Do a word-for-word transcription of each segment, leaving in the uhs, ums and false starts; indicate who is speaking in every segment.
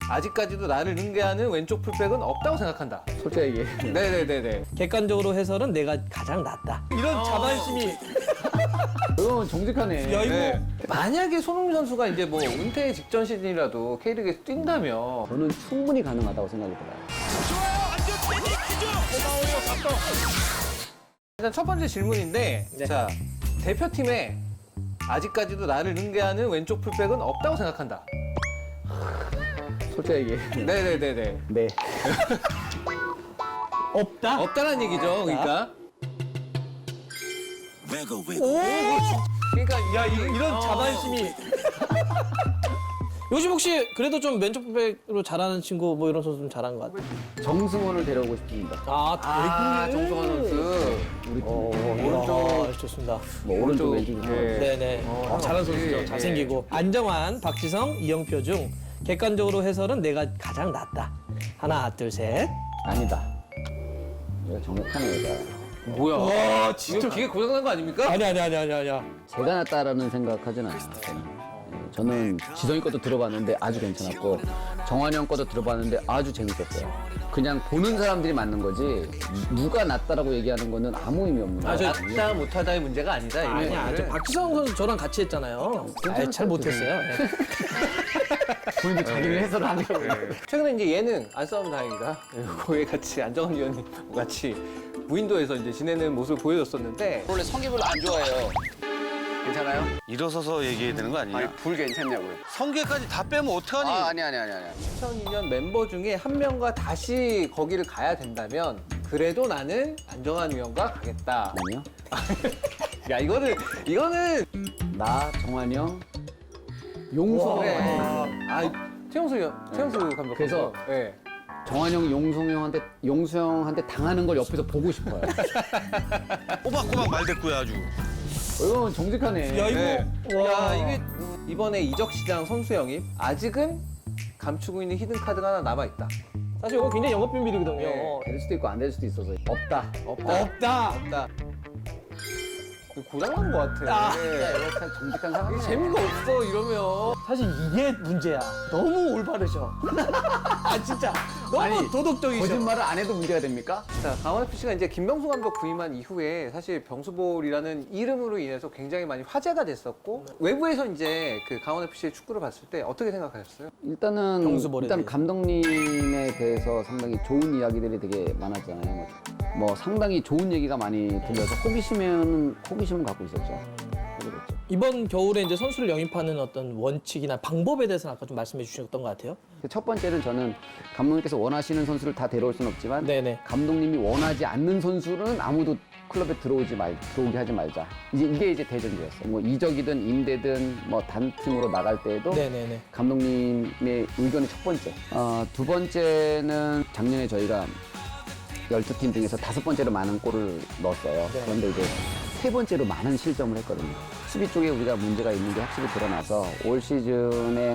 Speaker 1: 아직까지도 나를 능가하는 왼쪽 풀백은 없다고 생각한다.
Speaker 2: 솔직히 얘기해.
Speaker 1: 네네네네.
Speaker 3: 객관적으로 해설은 내가 가장 낫다. 이런 자만심이.
Speaker 2: 이건 정직하네.
Speaker 3: 야, 이거.
Speaker 1: 네. 만약에 손흥민 선수가 이제 뭐 은퇴 직전 시즌이라도 K리그에서 뛴다면
Speaker 2: 저는 충분히 가능하다고 생각이 들어요.
Speaker 1: 일단 첫 번째 질문인데
Speaker 3: 네.
Speaker 1: 자 대표팀에 아직까지도 나를 능가하는 왼쪽 풀백은 없다고 생각한다.
Speaker 2: 솔직히 얘기해.
Speaker 1: 네네네네.
Speaker 2: 네.
Speaker 3: 없다?
Speaker 1: 없다는 얘기죠. 그러니까.
Speaker 3: 오!
Speaker 1: 그러니까
Speaker 3: 야, 이,
Speaker 1: 이-
Speaker 3: 이런
Speaker 1: 어.
Speaker 3: 자만심이. 요즘 혹시 그래도 좀 왼쪽 풀백으로 잘하는 친구 뭐 이런 선수 좀 잘한 것 같아요.
Speaker 2: 정승원을 데려오고 싶습니다.
Speaker 3: 아,
Speaker 1: 아
Speaker 3: 되게.
Speaker 1: 정성환 선수.
Speaker 2: 우리 팀.
Speaker 3: 어,
Speaker 1: 오른쪽.
Speaker 3: 야, 좋습니다.
Speaker 2: 뭐 오른쪽
Speaker 1: 오른쪽,
Speaker 2: 왼쪽.
Speaker 1: 예.
Speaker 3: 네네.
Speaker 1: 어,
Speaker 3: 어, 잘하는
Speaker 1: 역시,
Speaker 3: 선수죠.
Speaker 1: 예.
Speaker 3: 잘생기고. 안정환, 박지성, 이영표 중 객관적으로 해설은 내가 가장 낫다. 하나, 둘, 셋.
Speaker 2: 아니다. 얘가 정확하네, 얘가.
Speaker 1: 뭐야?
Speaker 3: 와,
Speaker 1: 이거 기계 고장난 거 아닙니까?
Speaker 3: 아니, 아니, 아니, 아니, 아니야.
Speaker 2: 제가 낫다라는 생각하진 않아요. 저는. 예, 저는 지성이 것도 들어봤는데 아주 괜찮았고 정환이 형 것도 들어봤는데 아주 재밌었어요. 그냥 보는 사람들이 맞는 거지 누가 낫다라고 얘기하는 거는 아무 의미 없는
Speaker 1: 아,
Speaker 2: 거예요.
Speaker 1: 저 낫다 못하다의 문제가 아니다. 이거.
Speaker 3: 아니야. 저 박지성 선수 저랑 같이 했잖아요. 아, 잘 못했어요. 네.
Speaker 2: 본인도 자기를 해설을 하려고.
Speaker 1: 최근에 이제 예능 안 싸우면 다행이다. 거기에 같이 안정환 위원님 같이 무인도에서 이제 지내는 모습을 보여줬었는데
Speaker 4: 원래 성기 별로 안 좋아해요.
Speaker 5: 괜찮아요?
Speaker 4: 일어서서 얘기해야 되는 거
Speaker 5: 아니
Speaker 4: 아니냐?
Speaker 5: 불 괜찮냐고요?
Speaker 4: 성게까지 다 빼면 어떡하니?
Speaker 5: 아 아니 아니 아니 아니.
Speaker 1: 이천이 년 멤버 중에 한 명과 다시 거기를 가야 된다면 그래도 나는 안정환 위원과 가겠다.
Speaker 2: 아니요.
Speaker 1: 야 이거는 이거는
Speaker 2: 나 정환이 형 용성.
Speaker 1: 그래. 아 최영수 위원, 최영수 감독.
Speaker 2: 그래서
Speaker 1: 네.
Speaker 2: 정환이 형 용성 형한테 용수 형한테 당하는 걸 옆에서 보고 싶어요.
Speaker 4: 꼬박꼬박 말대꾸야 아주.
Speaker 2: 이건 정직하네.
Speaker 3: 야, 이거.
Speaker 1: 네.
Speaker 3: 와.
Speaker 1: 야 이게 이번에 이적 시장 선수 영입 아직은 감추고 있는 히든 카드가 하나 남아 있다.
Speaker 3: 사실 이거 굉장히 영업 비밀이거든요.
Speaker 1: 네.
Speaker 2: 될 수도 있고 안 될 수도 있어서 없다.
Speaker 1: 없다.
Speaker 3: 없다.
Speaker 1: 없다. 고장난 것 같아.
Speaker 3: 아.
Speaker 1: 네.
Speaker 2: 이거 참 정직한 상황이네.
Speaker 1: 재미가 없어 이러면.
Speaker 3: 사실 이게 문제야. 너무 올바르셔. 아, 진짜. 너무
Speaker 2: 아니,
Speaker 3: 도덕적이셔.
Speaker 2: 거짓말을 안 해도 문제가 됩니까?
Speaker 1: 자, 강원에프씨가 이제 김병수 감독 부임한 이후에 사실 병수볼이라는 이름으로 인해서 굉장히 많이 화제가 됐었고 외부에서 이제 그 강원에프씨의 축구를 봤을 때 어떻게 생각하셨어요?
Speaker 2: 일단은
Speaker 3: 병수볼에
Speaker 2: 일단
Speaker 3: 대해서.
Speaker 2: 감독님에 대해서 상당히 좋은 이야기들이 되게 많았잖아요. 뭐, 뭐 상당히 좋은 얘기가 많이 들려서 호기심은 호기심은 갖고 있었죠. 그랬죠.
Speaker 3: 이번 겨울에 이제 선수를 영입하는 어떤 원칙이나 방법에 대해서는 아까 좀 말씀해 주셨던 것 같아요.
Speaker 2: 첫 번째는 저는 감독님께서 원하시는 선수를 다 데려올 수는 없지만
Speaker 3: 네네.
Speaker 2: 감독님이 원하지 않는 선수는 아무도 클럽에 들어오지 말 들어오게 하지 말자. 이제 이게 이제 대전제였어요. 뭐 이적이든 임대든 뭐 단팀으로 나갈 때에도
Speaker 3: 네네네.
Speaker 2: 감독님의 의견이 첫 번째. 어, 두 번째는 작년에 저희가 열두 팀 중에서 다섯 번째로 많은 골을 넣었어요.
Speaker 3: 네.
Speaker 2: 그런데 이제 세 번째로 많은 실점을 했거든요. 수비 쪽에 우리가 문제가 있는 게 확실히 드러나서 올 시즌에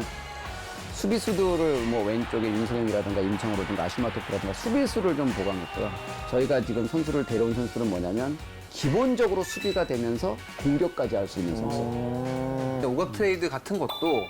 Speaker 2: 수비수들을 뭐 왼쪽에 윤성현이라든가 임창호라든가 아슈마토프라든가 수비수를 좀 보강했고요. 저희가 지금 선수를 데려온 선수는 뭐냐면 기본적으로 수비가 되면서 공격까지 할 수 있는 선수.
Speaker 1: 근데 오각 트레이드 같은 것도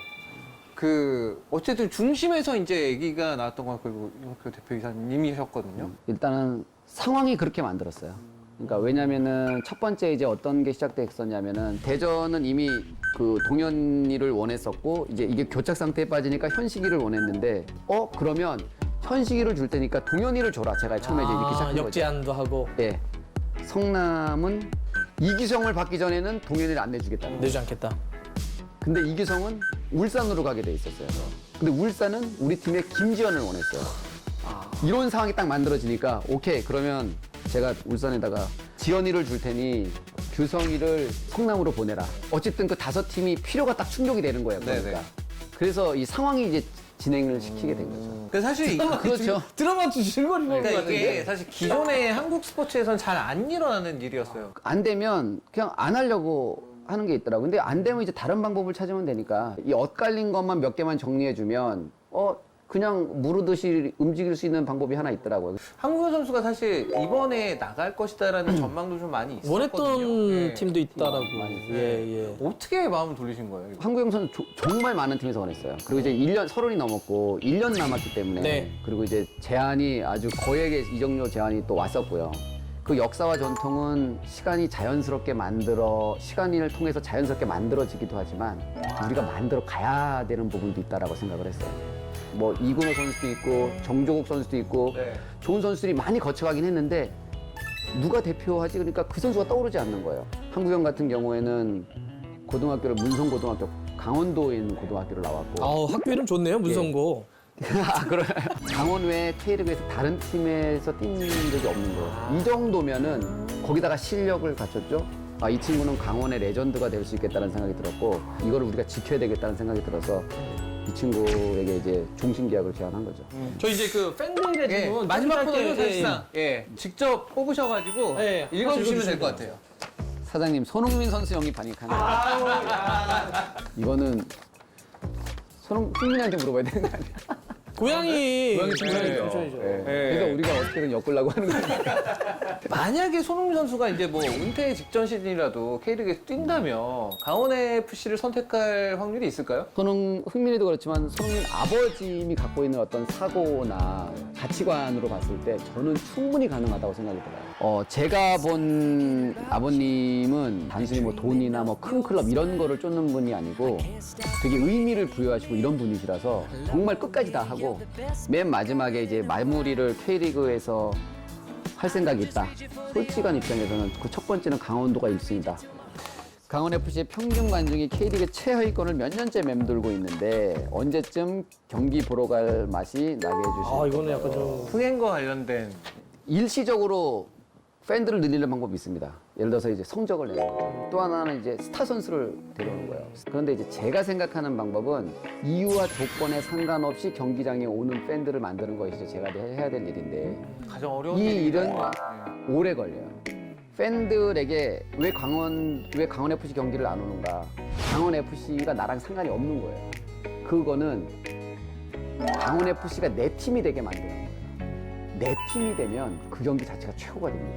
Speaker 1: 그 어쨌든 중심에서 이제 얘기가 나왔던 건 그리고 이용표 대표이사님이셨거든요.
Speaker 2: 일단은 상황이 그렇게 만들었어요. 그러니까 왜냐면은 첫 번째 이제 어떤 게 시작됐었냐면은 대전은 이미 그 동현이를 원했었고 이제 이게 교착 상태에 빠지니까 현식이를 원했는데 어 그러면 현식이를 줄 테니까 동현이를 줘라. 제가 처음에 이제 이렇게 시작한 거죠.
Speaker 3: 아, 역제안도 하고
Speaker 2: 예. 성남은 이기성을 받기 전에는 동현이를 안 내주겠다.
Speaker 3: 내지 않겠다.
Speaker 2: 근데 이기성은 울산으로 가게 돼 있었어요. 근데 울산은 우리 팀에 김지현을 원했어요. 이런 상황이 딱 만들어지니까 오케이 그러면 제가 울산에다가 지현이를 줄 테니 규성이를 성남으로 보내라. 어쨌든 그 다섯 팀이 필요가 딱 충족이 되는 거예요. 그러니까.
Speaker 1: 네네.
Speaker 2: 그래서 이 상황이 이제 진행을 시키게 된 거죠.
Speaker 1: 근데 사실 이-
Speaker 2: 그렇죠.
Speaker 3: 드라마 주실거리 보는 것
Speaker 1: 그러니까 이게
Speaker 3: 같은데.
Speaker 1: 사실 기존의 한국 스포츠에서는 잘 안 일어나는 일이었어요.
Speaker 2: 안 되면 그냥 안 하려고 하는 게 있더라고요. 근데 안 되면 이제 다른 방법을 찾으면 되니까 이 엇갈린 것만 몇 개만 정리해주면 어 그냥 무르듯이 움직일 수 있는 방법이 하나 있더라고요.
Speaker 1: 한국현 선수가 사실 이번에 나갈 것이다라는 전망도 좀 많이 있었거든요.
Speaker 3: 원했던
Speaker 1: 예.
Speaker 3: 팀도 있다라고. 예, 예.
Speaker 1: 어떻게 마음을 돌리신 거예요? 이거?
Speaker 2: 한국영 선수 조- 정말 많은 팀에서 원했어요. 그리고 이제 일 년, 서른이 넘었고 일 년 남았기 때문에
Speaker 3: 네.
Speaker 2: 그리고 이제 제한이 아주 거액의 이적료 제한이 또 왔었고요. 그 역사와 전통은 시간이 자연스럽게 만들어 시간을 통해서 자연스럽게 만들어지기도 하지만 우리가 만들어 가야 되는 부분도 있다라고 생각을 했어요. 뭐 이근호 선수도 있고 정조국 선수도 있고
Speaker 1: 네.
Speaker 2: 좋은 선수들이 많이 거쳐가긴 했는데 누가 대표하지? 그러니까 그 선수가 떠오르지 않는 거예요. 한국영 같은 경우에는 고등학교를 문성고등학교 강원도에 있는 고등학교를 나왔고
Speaker 3: 아우, 학교 이름 좋네요, 문성고.
Speaker 2: 아, 그래. 강원 외 K리그에서 다른 팀에서 뛴 적이 없는 거예요. 이 정도면은 거기다가 실력을 갖췄죠. 아, 이 친구는 강원의 레전드가 될 수 있겠다는 생각이 들었고 이거를 우리가 지켜야 되겠다는 생각이 들어서 이 친구에게 이제 종신 계약을 제안한 거죠.
Speaker 3: 저 이제 그 팬들의
Speaker 1: 예,
Speaker 3: 질문
Speaker 1: 마지막
Speaker 3: 짧게,
Speaker 1: 코너는
Speaker 3: 예,
Speaker 1: 사실상 예, 직접 뽑으셔가지고
Speaker 3: 예,
Speaker 1: 읽어주시면 될
Speaker 3: 읽어주시면
Speaker 1: 것 같아요.
Speaker 2: 사장님, 손흥민 선수 영입 반익하네. 이거는 손흥민한테 물어봐야 되는 거 아니야?
Speaker 3: 고양이
Speaker 2: 고양이 칭찬이죠.
Speaker 3: 칭찬이죠.
Speaker 2: 예. 그래서 우리가 어떻게든 엮으려고 하는 거예요.
Speaker 1: 만약에 손흥민 선수가 이제 뭐 은퇴 직전 시즌이라도 K리그에서 뛴다면 강원 에프씨를 선택할 확률이 있을까요?
Speaker 2: 손흥, 흥민이도 그렇지만 손흥민 아버님이 갖고 있는 어떤 사고나 가치관으로 봤을 때 저는 충분히 가능하다고 생각이 들어요. 어, 제가 본 아버님은 단순히 뭐 돈이나 뭐 큰 클럽 이런 거를 쫓는 분이 아니고 되게 의미를 부여하시고 이런 분이시라서 정말 끝까지 다 하고 맨 마지막에 이제 마무리를 K리그에서 할 생각이 있다. 솔직한 입장에서는 그 첫 번째는 강원도가 일 순위다. 강원에프씨의 평균 관중이 K리그 최하위권을 몇 년째 맴돌고 있는데 언제쯤 경기 보러 갈 맛이 나게 해주실까요?
Speaker 3: 아, 이거는 약간 좀
Speaker 1: 흥행과 관련된
Speaker 2: 일시적으로 팬들을 늘리는 방법이 있습니다. 예를 들어서 이제 성적을 내는 거죠. 또 하나는 이제 스타 선수를 데려오는 거예요. 그런데 이제 제가 생각하는 방법은 이유와 조건에 상관없이 경기장에 오는 팬들을 만드는 것이 이제 제가 해야 될 일인데
Speaker 1: 가장 어려운
Speaker 2: 이
Speaker 1: 일이기도
Speaker 2: 일은
Speaker 1: 해요.
Speaker 2: 오래 걸려요. 팬들에게 왜 강원 왜 강원 에프씨 경기를 안 오는가? 강원 에프씨가 나랑 상관이 없는 거예요. 그거는 강원 에프씨가 내 팀이 되게 만드는 거예요. 내 팀이 되면 그 경기 자체가 최고가 됩니다.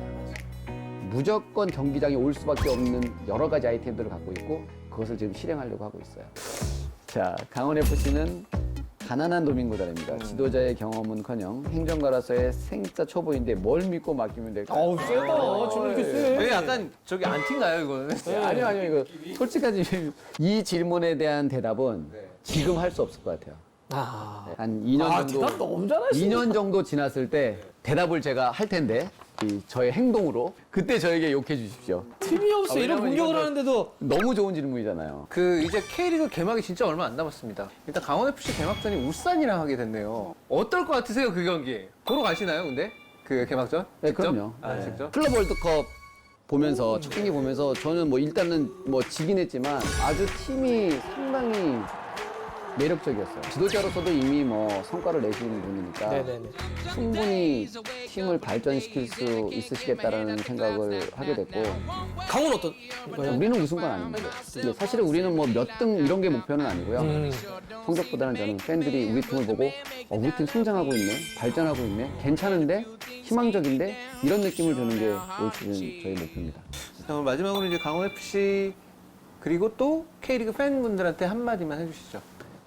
Speaker 2: 무조건 경기장에 올 수밖에 없는 여러 가지 아이템들을 갖고 있고 그것을 지금 실행하려고 하고 있어요. 자, 강원 에프씨는 가난한 도민구단입니다. 지도자의 경험은커녕 행정가로서의 생자 초보인데 뭘 믿고 맡기면 될까요?
Speaker 3: 어우, 세다. 질문 이렇게 세.
Speaker 1: 왜 약간 저기 안티인가요 이거는?
Speaker 2: 아니요, 아니요. 이거 솔직하지. 이 질문에 대한 대답은 지금 할 수 없을 것 같아요.
Speaker 3: 아,
Speaker 2: 한 이 년
Speaker 3: 아,
Speaker 2: 정도
Speaker 3: 대답 너무 잘하시네.
Speaker 2: 이 년 정도 지났을 때 대답을 제가 할 텐데 이 저의 행동으로 그때 저에게 욕해 주십시오.
Speaker 3: 팀이 없어.
Speaker 2: 아,
Speaker 3: 이런
Speaker 2: 왜냐면
Speaker 3: 공격을
Speaker 2: 이거는-
Speaker 3: 하는데도
Speaker 2: 너무 좋은 질문이잖아요.
Speaker 1: 그 이제 K리그 개막이 진짜 얼마 안 남았습니다. 일단 강원 에프씨 개막전이 울산이랑 하게 됐네요. 어떨 것 같으세요 그 경기? 보러 가시나요 근데 그 개막전?
Speaker 2: 네,
Speaker 1: 직접?
Speaker 2: 그럼요.
Speaker 1: 아
Speaker 2: 네.
Speaker 1: 직접?
Speaker 2: 클럽 월드컵 보면서 첫 경기 보면서 저는 뭐 일단은 뭐 지긴 했지만 아주 팀이 상당히 매력적이었어요. 지도자로서도 이미 뭐 성과를 내시는 분이니까
Speaker 3: 네네네.
Speaker 2: 충분히 팀을 발전시킬 수 있으시겠다라는 생각을 하게 됐고
Speaker 3: 강원 어떤 거요?
Speaker 2: 우리는 우승 건 아닙니다. 근데 사실은 우리는 뭐 몇 등 이런 게 목표는 아니고요.
Speaker 3: 음.
Speaker 2: 성적보다는 저는 팬들이 우리 팀을 보고 어, 우리 팀 성장하고 있네, 발전하고 있네, 괜찮은데, 희망적인데 이런 느낌을 주는 게 올 시즌 저희 목표입니다.
Speaker 1: 자, 그럼 마지막으로 이제 강원 에프씨 그리고 또 K리그 팬분들한테 한마디만 해주시죠.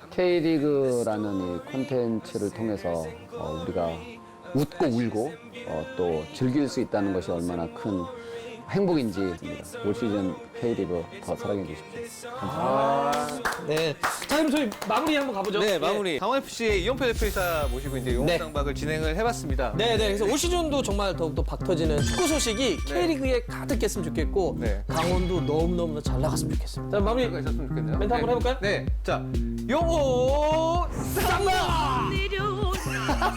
Speaker 2: K리그라는 이 콘텐츠를 통해서 어, 우리가 웃고 울고 어, 또 즐길 수 있다는 것이 얼마나 큰 행복인지 올 시즌 K리그 더 사랑해 주십시오.
Speaker 3: 네. 자, 그럼 저희 마무리 한번 가보죠.
Speaker 1: 네, 마무리. 강원 에프씨의 이영표 대표이사 모시고 이제 용업상박을 진행을 해봤습니다.
Speaker 3: 네, 네. 그래서 올 시즌도 정말 더욱더 박 터지는 축구 소식이 K리그에 가득했으면 좋겠고
Speaker 1: 네.
Speaker 3: 강원도 너무너무 잘 나갔으면 좋겠습니다. 자, 마무리
Speaker 1: 가 있었으면 좋겠네요.
Speaker 3: 멘트 한번
Speaker 1: 네.
Speaker 3: 해볼까요?
Speaker 1: 네, 자, 용호 쌍박!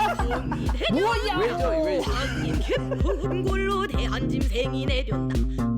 Speaker 2: 왜죠? 왜?
Speaker 6: 깊은 골로 대한 짐승이 내렸다.